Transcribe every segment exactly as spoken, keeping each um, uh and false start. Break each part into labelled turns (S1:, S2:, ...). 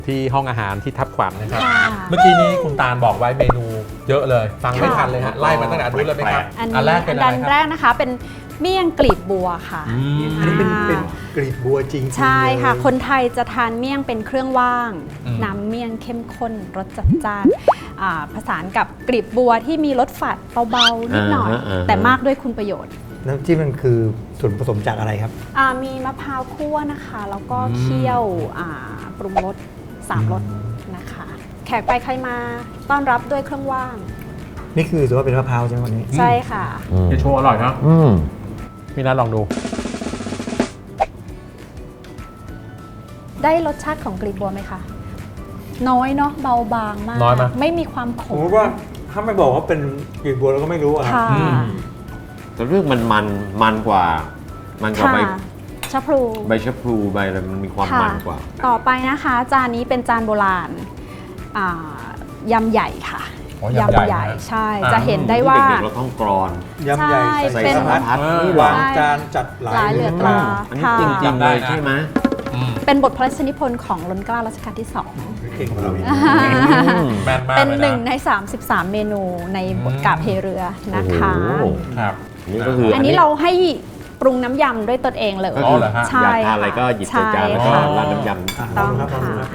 S1: ที่ห้องอาหารที่ทับขวัญนะครับ
S2: ค่ะ
S1: เมื่อกี้นี้คุณตาลบอกไว้เมนูเยอะเลย ฟังไม่ทันเลยฮะไล่มาตั้งแต่อันนู้นเลยไหมครับ
S2: อัน
S1: อันแร
S2: นี้
S1: กเป็นอะไร
S2: อัน
S1: ค
S2: แร
S1: รับ
S2: กนะคะเป็นเมี่ยงกลีบบัวค่ะ
S1: อืม
S3: อันนี้เป็นเป็นกลีบบัวจริงๆ
S2: ใช่ค่ะ
S3: เลย
S2: คนไทยจะทานเมี่ยงเป็นเครื่องว่าง
S1: อืม
S2: น้ำเมี่ยงเข้มข้นรสจัดจ้านอ่าผสานกับกลีบบัวที่มีรสฝาดเบาๆนิดหน่อย
S4: อ่าฮะอ่าฮะ
S2: แต่มากด้วยคุณประโยชน์
S3: น้ำจิ้มมันคือส่วนผสมจากอะไรครับ
S2: อ่ามีมะพร้าวคั่วนะคะ แล้วก็เคี่ยวอ่าปรุงรสสามรสนะคะ แขกไปใครมาต้อนรับด้วยเครื่องว่าง
S3: นี่คือถือว่าเป็นมะพร้าวใช่ไหมวันนี้
S2: ใช่ค่ะ
S1: จะโชว์อร่อยเนาะ
S4: อืม
S1: พี่นัทลองดู
S2: ได้รสชาติของกลีบบัวไหมคะ น้อยเนาะเบาบางมาก
S1: น้อยไหม
S2: ไม่มีความข
S3: ผม
S2: ม
S3: ว่าถ้าไม่บอกว่าเป็นกลีบบัวเราก็ไม่รู้อะครับ
S2: ค่ะ
S1: อืม
S4: แต่เรื่องมันมันมันกว่า มันกว่า
S2: ค่ะ
S4: ใบ
S2: ชะพลู
S4: ใบชะพลูใบอะไรมันมีความ
S2: ค่ะ
S4: มันกว่า
S2: ต่อไปนะคะ จานนี้เป็นจานโบราณอ่ายำใหญ่ค่ะ
S1: อ๋อยำใหญ่นะ
S2: ใช่
S1: อ่า
S2: จะเห็นได้ว่า
S4: เด็กๆเราต้องกรอน
S3: ยำใหญ่
S2: ใช่
S3: ใส่
S2: เป็น
S3: สารพัด
S1: เออ
S3: วางจานจัดหลาย
S2: หลายเหลือตรา
S4: อันนี้
S2: ค่ะ
S4: จริงๆเลยใช่ไหม
S1: อืม
S2: เป็นบทพระราชนิพนธ์ของล้นเกล้ารัชกาลที่สอง
S3: เก่งกว่าเราอีก
S1: แม่นมาก
S2: เป็น
S1: เลย
S2: หนึ่ง
S1: นะ
S2: ใน สามสิบสาม เมนูในบท
S1: อืม
S2: กาบเพเรือนะคะ
S4: โอ้โห
S1: ครับ
S4: นี่ก็คือ
S2: อันนี้เราให้ปรุงน้ำยำด้วยตนเองเลย
S4: ก็
S1: อ๋อ
S4: คือ
S1: เหรอฮะ
S2: ใช่
S4: อยากทานอะไรก็หยิบใส่จานแล้วก็
S2: ใช่
S4: ราดน้ำย
S3: อ่ะ
S4: ำ
S3: ลองดูครับลองดูครับ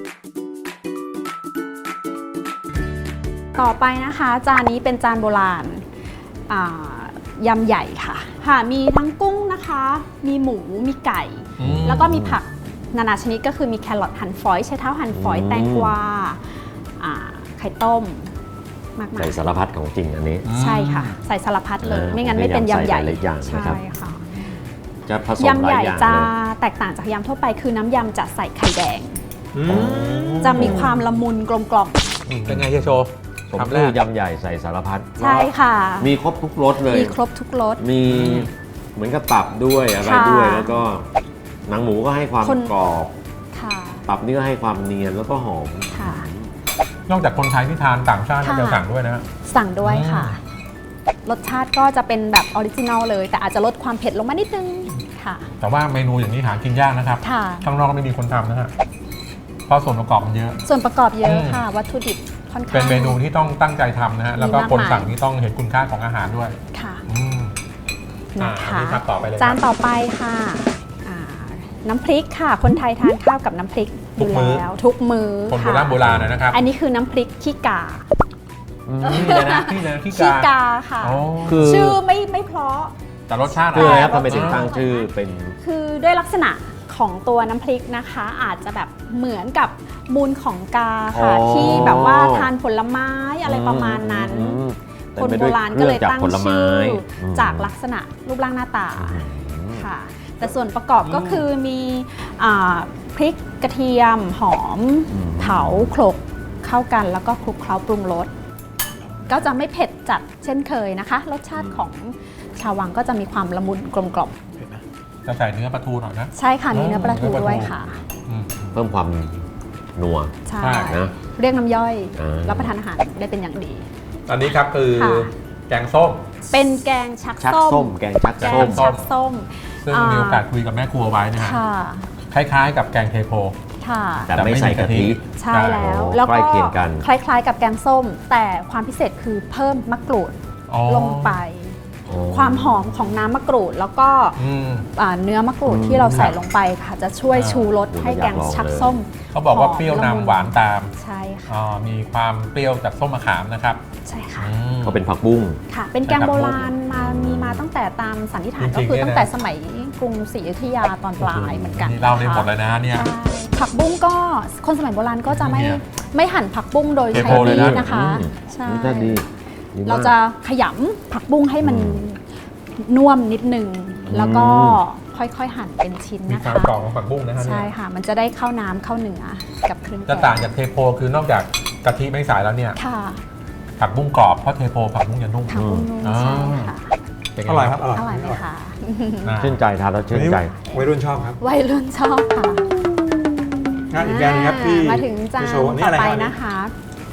S2: ต่อไปนะคะ จานนี้เป็นจานโบราณอ่ายำใหญ่ค่ะค่ะ มีทั้งกุ้งนะคะ มีหมูมีไก่
S1: อืม
S2: แล้วก็มีผักนานาชนิดก็คือมีแครอทหั่นฝอยใช้เท้าหั่นฝอยแตงกวาอ่าไข่ต้มมากมา
S4: ใส่
S2: ย
S4: สารพัดของจริงอันนี้
S2: ใช่ค่ะ ใส่สารพัดเลย
S4: เออ
S2: ไม่งั้นไม่เป็นยำใหญ่
S4: ใส่หลายอย่างนะครับ
S2: ใช่ค่ะ
S4: จะผสม
S2: ยำ
S4: ห
S2: ให
S4: ลาย
S2: ญ่
S4: อย่าง
S2: จะ
S4: เลย
S2: แตกต่างจากยำทั่วไปคือน้ำยำจะใส่ไข่แดง
S3: อืม
S2: จะมีความละมุนกลมกล่อม
S1: เป็นไงเฮียโชว์
S4: ผม
S1: คำแร
S4: คื
S1: ก
S4: อยำใหญ่ใส่สารพัด
S2: ใช่ค่ะ
S4: มีครบทุกรสเลย
S2: มีครบทุกรส
S4: มีเหมือนกับตับด้วยอะไร
S2: ค่ะ
S4: ด้วยแล้วก็หนังหมูก็ให้ความ
S2: คน
S4: กรอบ
S2: ค่ะ
S4: ตับนี่ก็ให้ความเนียนแล้วก็หอม
S2: ค่ะ
S1: นอกจากคนไทยที่ทานต่างชาติก็
S2: ค่ะ
S1: จะสั่งด้วยนะฮะ
S2: สั่งด้วยค่ะ รสชาติก็จะเป็นแบบออริจินัลเลย แต่อาจจะลดความเผ็ดลงมานิดนึงค่ะ
S1: แต่ว่าเมนูอย่างนี้หากินยากนะครับ
S2: ค่ะ
S1: ข้างนอกไม่มีคนทำนะฮะเพราะส่วนประกอบมันเยอะ
S2: ส่วนประกอบเยอะ
S1: อืม
S2: ค่ะ วัตถุดิบค่อนข้าง
S1: เป็นเมนูที่ต้องตั้งใจทำนะฮะ แล้วก็
S2: มีมาก
S1: คน
S2: มาย
S1: สั่งนี่ต้องเห็นคุณค่าของอาหารด้วย
S2: ค่ะ
S1: อืม อ่า
S2: นะ
S1: อัน
S2: คะ
S1: นี้ครับต่อไปเลยครับ
S2: จานต่อไปค่ะอ่าน้ำพริกค่ะ คนไทยทานข้าวกับน้ำพริกอยู่แล้วทุกมื้อ
S1: คนโบ
S2: ค่ะ
S1: ราณโบราณนะครับ
S2: อันนี้คือน้ำพริกขี้กา
S1: นี่เลยนะที่เลยที่
S2: ขี้
S1: กาก
S2: าค่ะ
S1: อ๋อ
S4: คือ
S2: ชื่อไม่ไม่เพราะ
S1: แต่รสชาติ
S4: คืออะไรครับ
S2: แต่
S4: ทำไมถึง
S2: รสชาติ
S4: ตั้งชื่อเป็น
S2: คือด้วยลักษณะของตัวน้ำพริกนะคะ อาจจะแบบเหมือนกับมูลของกาค่ะ
S4: อ๋อ
S2: ที่แบบว่าทานผลไม้อะไรประมาณนั้น
S4: อืม
S2: คน
S4: เต็ม
S2: โบ
S4: ไปด้วย
S2: ราณก็เลย
S4: ครื่อง
S2: ตั้ง
S4: ผลไม้
S2: ชื่ออ
S4: ม
S2: จากลักษณะรูปร่างหน้าตา
S4: อืม
S2: ค่ะ แต่ส่วนประกอบก็คือมีอ่าพริกกระเทียมหอม เผาโขลกเข้ากันแล้วก็คลุกเคล้าปรุงรสก็จะไม่เผ็ดจัดเช่นเคยนะคะ รสชาติของชาววังก็จะมีความละมุนกลมกล่อม
S1: จะใส่เนื้อปลาทูหน่อยนะ
S2: ใช่ค่ะมีเนื้อปลาทู
S1: เนื้อปลาทู
S2: ด้วยค่ะ
S1: อืม
S4: เพิ่มความนัว
S2: ใช่
S1: ใช่
S4: นะ
S2: เรียกน้ำย่อย
S4: อ่า
S2: รับประทานอาหารได้เป็นอย่างดี
S1: อันนี้ครับคือ
S2: ค่ะ
S1: แกงส้ม
S2: เป็นแกงชัก
S4: ชัก
S2: ส้
S4: ส้
S2: ม
S4: ม แกงชัก
S2: แก
S4: ส้
S2: ง
S4: ม
S2: ชักส้ม
S1: ซึ่ง
S2: อ่ามี
S1: มีโอกาสคุยกับแม่ครัวไว้นะฮะ
S2: ค่ะ
S1: คล้ายๆ กับแกงเทโพ
S2: ค่ะ
S4: แต่ไม่ใส่กะทิ
S2: ใช่แล้ว
S4: โอ้
S2: แล้ว
S4: ใกล้
S2: ก็
S4: เคียงกัน
S2: คล้ายๆ กับแกงส้ม แต่ความพิเศษคือเพิ่มมะกรูด
S1: อ๋อ
S2: ลงไป
S4: อ๋อ
S2: ความหอมของน้ำมะกรูด แล้วก็
S1: อืม
S2: อ่าเนื้อมะกรูด
S4: อืม
S2: ที่เราใส่
S1: ครับ
S2: ลงไปค่ะ จะช่วย
S1: อ่า
S2: ชูรส
S4: โอ้
S2: ให้
S4: อยาก
S2: แกง
S4: ลอง
S2: ชัก
S4: เลย
S2: ส้ม
S1: เขาบอกว่า
S2: หอม
S1: เปรี้ยว
S2: ละมุ
S1: นำหวานตาม
S2: ใช่ค่ะ
S1: อ่ามีความเปรี้ยวจากส้มมะขามนะครับ
S2: ใช่ค่ะ
S1: อืม
S4: ก็เป็นผักบุ้ง
S2: ค่ะ เป็นแกงโบราณมามีมาตั้งแต่ตามสันนิษฐาน
S1: จริ
S2: ก็
S1: งๆ
S2: คือ
S1: เนี่ยนะ
S2: ตั้งแต่สมัยกรุงศรีอยุธยาตอนปลายเหมือนกัน
S1: นี่เล่าได้หมด
S2: นะคะ
S1: เลยนะเนี่ย
S2: ใช่ผักบุ้งก็คนสมัยโบราณก็จะไม่
S1: เนี่ย
S2: ไม่หั่นผักบุ้งโดยใช้
S1: เทโพเลย
S2: มี
S1: นะ
S2: ดนะคะ
S4: อืม
S2: ใช่
S4: นี่ก็ดีดีมก
S2: เราจะขยำผักบุ้งให้มัน
S4: อืม
S2: นุ่มนิดนึง
S4: อืม
S2: แล้วก็ค่อยๆหั่นเป็นชิ้น
S1: มี
S2: นะ
S1: ควา
S2: คะ
S1: มกรอบของผักบุ้งนะฮะเนี่
S2: ใช่
S1: ย
S2: ค่ะ มันจะได้เข้าน้ำเข้าเนื้อกับเครื่องแก
S1: จะต่างจากเทโพคือนอกจากกะทิไม่ใส่แล้วเนี่ย
S2: ค่ะ
S1: ผักบุ้งกรอบเพราะเทโพผักบุ้งจะนุ่ม
S2: ผักบุ้งนุ่ม
S1: อ่า
S2: ใช่ค่ะ
S1: เป็นไง
S3: อร่อยครับ อร่อย
S2: อร่อยไหมคะ
S1: อ่า
S4: ชื่นใจทานแล้วชื่นใจ
S3: วัยรุ่นชอบครับ
S2: วัยรุ่นชอบค่ะ
S3: งานอีกอย่างหนึงครับพี่
S2: อ่ามาถึงจาน
S3: พี่โชว์นี่
S2: ต่อ
S3: อะไร
S2: ไป
S3: ครับ
S2: นะคะ
S3: อั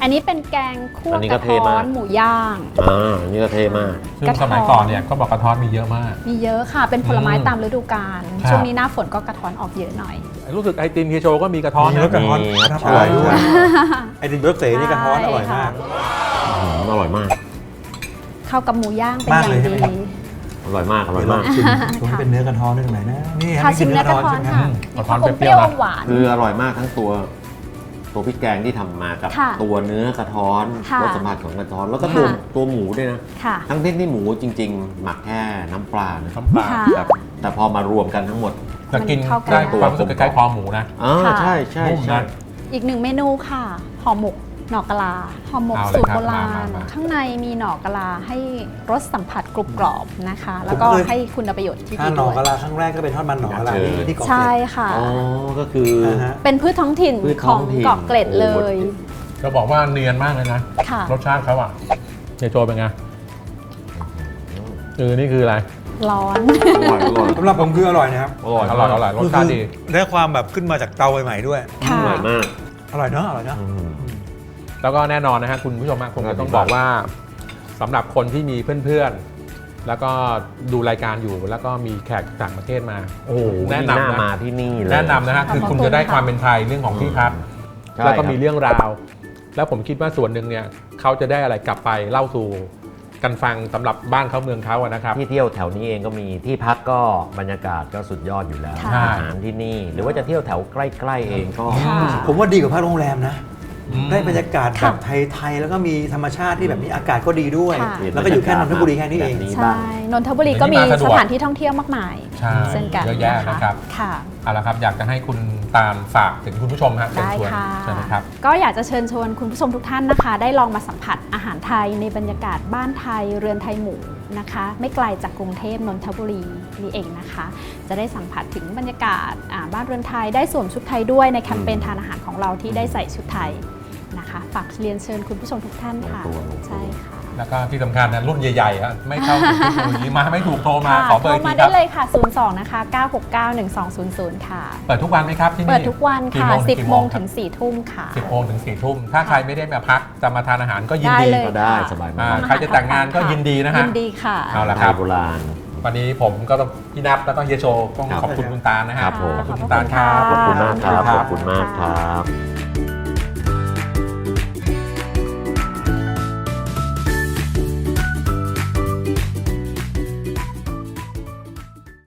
S2: อันนี้เป็นแกงคั่ว
S4: อันนี้
S2: ก
S4: ก็
S2: ระ
S4: เท่
S2: ท้อ
S4: มาก
S2: นหมูย่าง
S4: อ่าอันนี่ก็เท่มาก
S1: ซึ่ง
S2: กระท้อน
S1: สมัยก่อนเนี่ยก็บอกกระท้อนมีเยอะมาก
S2: มีเยอะค่ะ เป็นผลไม้
S1: อืม
S2: ตามฤดูกาล
S1: ครับ
S2: ช่วงนี้หน้าฝนก็กระท้อนออกเยอะหน่อย
S1: รู้สึกไอติมเฮียโชก็มีกระท้อน
S3: มี
S1: นะ
S3: รสกระท้อน
S4: มีครับ
S3: อร่อยด้วย
S4: ใช่
S3: ไอติมเบิร์กเสนี่กระท้อนอร่อยมาก
S4: อืมอร่อยมาก
S2: เข้ากับหมูย่างเป็น
S3: มาก
S2: อย่าง
S3: เลยใช่
S2: ดี
S3: ไหมครับ
S4: อร่อยมาก อร่อย
S3: เดี๋ยวลอ
S4: มาง ก
S3: ชิมตรงนี้เป็นเนื้อกระท้อนได้ตรงไหนนะนี่
S2: ค่ะ
S3: นี่
S2: ชิ
S3: คือ
S2: ม
S3: เนื้
S2: เนื้
S3: อ
S2: อก
S3: ระ
S2: ระ
S3: ท้อน
S2: ท้อน
S3: ใช่ไหม
S2: ค่ะ
S1: กระท้อนเปรี้ยวๆนะ
S2: หวาน
S4: คืออร่อยมากทั้งตัว ตัวพริกแกงที่ทำมากับ
S2: ค่ะ
S4: ตัวเนื้อกระท้อน
S2: ค่ะ
S4: รสสัมผัสของกระท้อน แล้วก็ตัว
S2: ค่ะ
S4: ตัวหมูด้วยนะ
S2: ค่ะ
S4: ทั้งที่ที่หมูจริง ๆ หมักแค่น้ำปลานะ
S1: น้ำปลา
S2: ค่ะ
S4: แต่แต่พอมารวมกันทั้งหมด
S1: แต่กิน
S2: มันเข้ากัน
S1: ได้
S2: ได้
S1: ความรู้สึกคล้ายๆคอหมูนะ
S4: อ่า
S2: ค่ะ
S4: ใช่ใช่
S1: นุ่ม
S4: ใช่
S1: นะ
S2: อีกหนึ่งเมนูค่ะห่อหมกหน่อกะลาห่อหมก
S1: เอาเลย
S2: สูตร
S1: ครับ
S2: โบราณ
S1: มามามา
S2: ข้างในมีหน่อกะลาให้รสสัมผัสกรุบกรอบนะคะ แล้วก็
S3: ผมเคย
S2: ให้คุณประโยชน์ที่
S3: ถ้า
S2: ดี
S3: หนอ
S2: ด้วย
S3: กะลาครั้งแรกก็เป็นทอดมันหนอกะลาที่ที่เกาะเกร็
S2: ใช่
S3: ด
S2: ค่ะ
S4: อ๋อ ก็คือ
S3: อ่าฮะ
S2: เป็นพืชท้องถิ่น
S4: พืช
S2: ข
S4: ท้
S2: อ
S4: อง งถิ่น
S2: เกาะเกร็ดเลย
S1: จะบอกว่าเนียนมากเลยนะ
S2: ค่ะ
S1: รสชาติเขาอ่ะเฮียโชเป็นไงเออนี่คืออะไร
S2: ร้อน
S4: อร่อยอร่อย
S3: สำหรับผมคืออร่อยนะครับ
S4: อร่อย
S1: อร่อยอร่อยรสชาติดี
S3: คือได้ความแบบขึ้นมาจากเตาใหม่ๆด้วย
S2: ค่ะ
S4: อร่อยมาก
S3: อร่อยเนอะอร่อยเนอะ
S4: อืม
S1: แล้วก็แน่นอนนะฮะคุณผู้ชมฮะผมก็ต้องบอกว่าสำหรับคนที่มีเพื่อนๆ แล้วก็ดูรายการอยู่แล้วก็มีแขกต่างประเทศมา โอ้โหแนะ
S4: น่าน
S1: ำนะ
S4: มาที่นี่เลย
S1: แนะนำนะฮะคือคุณจะได้ความเป็นไทยเรื่องของที่พัก
S4: ใช่
S1: แล้วก็
S4: ครับ
S1: มีเรื่องราว แล้วผมคิดว่าส่วนหนึ่งเนี่ยเขาจะได้อะไรกลับไปเล่าสู่กันฟังสำหรับบ้านเขาเมืองเขาอะนะครับ
S4: ที่เที่ยวแถวนี้เองก็มีที่พักก็บรรยากาศก็สุดยอดอยู่แล้ว
S2: ค่ะ
S4: อาหารที่นี่ หรือว่าจะเที่ยวแถวใกล้ๆเองก็
S2: ค่ะ
S3: ผมว่าดีกว่าพักโรงแรมนะ
S1: อืม
S3: ได้บรรยากาศแบ
S2: ค่ะ
S3: บไทยๆแล้วก็มีธรรมชาติที่แบบนี้อากาศก็ดีด้วย
S2: ค่ะ
S3: แล้วก็อยู่แค่นนทบุรีแค่นี้เอง
S4: แบบ
S2: ใช่นนทบุรีก็มี
S1: นี่มาสะด
S2: ส
S1: วก
S2: ถานที่ท่องเที่ยวมากมาย
S1: ใช่
S2: เช่นกัน
S1: เยอะแยะนะครับ
S2: ค่ะ
S1: เอาละครับอยากจะให้คุณตาลฝากถึงคุณผู้ชมฮะเชิญ
S2: ได้
S1: ชวน
S2: ค่ะ
S1: เชิญนะครับ
S2: ก็อยากจะเชิญชวนคุณผู้ชมทุกท่านนะคะ ได้ลองมาสัมผัสอาหารไทยในบรรยากาศบ้านไทยเรือนไทยหมู่นะคะ ไม่ไกลจากกรุงเทพนนทบุรีนี่เองนะคะ จะได้สัมผัสถึงบรรยากาศอ่าบ้านเรือนไทยได้สวมชุดไทยด้วยในแคมเปญทานอาหารของเราที่ได้ใส่ชุดไทยนะคะฝากเรียนเชิญคุณผู้ชมทุกท่านค่ะ
S4: ลงตัวลงตัว
S2: ใช่ค่ะ
S1: แล้วก็ที่สำคัญนะรุ่นใหญ่ๆฮะไม่เข้าถึงเทคโนโลยีมาไม่ถูกโทรมา
S2: ค่ะ
S1: ขอเบอร์
S2: โท
S1: อีก
S2: ร
S1: ที
S2: มา
S1: ค
S2: ได้
S1: รับ
S2: เลยค่ะ ศูนย์ สอง นะคะ เก้า หก เก้า หนึ่ง สอง ศูนย์ ศูนย์ ค่ะ
S1: เปิดทุกวันไหมครับที่นี่
S2: เปิดทุกวัน
S1: กี่
S2: ค่ะ
S1: โมง
S2: สิบ
S1: กี่
S2: โมง
S1: ครั
S2: ถึง สี่ทุ่มค่ะ
S1: สิบโมงถึงสี่ทุ่มถ้าใครไม่ได้มาพักจะมาทานอาหารก็ยิน
S2: ได้
S1: ดี
S2: เลย
S4: ก็ได้สบาย
S1: อ่าม
S4: าก
S1: ใครจะแต่งงานก็ยินดีนะฮะ
S2: ยินดีค่ะ
S1: เอาละ
S4: ไท
S1: ครั
S4: ย
S1: บ
S4: โบราณ
S1: วันนี้ผมก็ต้องพี่นับแล้วก็เฮียโชต้อง
S4: ครับ
S1: ขอบคุณคุณตาลนะฮะ
S4: ครับผม
S1: ขอบคุณคุณตาลครับ
S4: ขอบคุณมากครับ
S1: ข
S4: ข
S1: อ
S4: อ
S1: บบ คุ
S4: คุณ ณมากครับ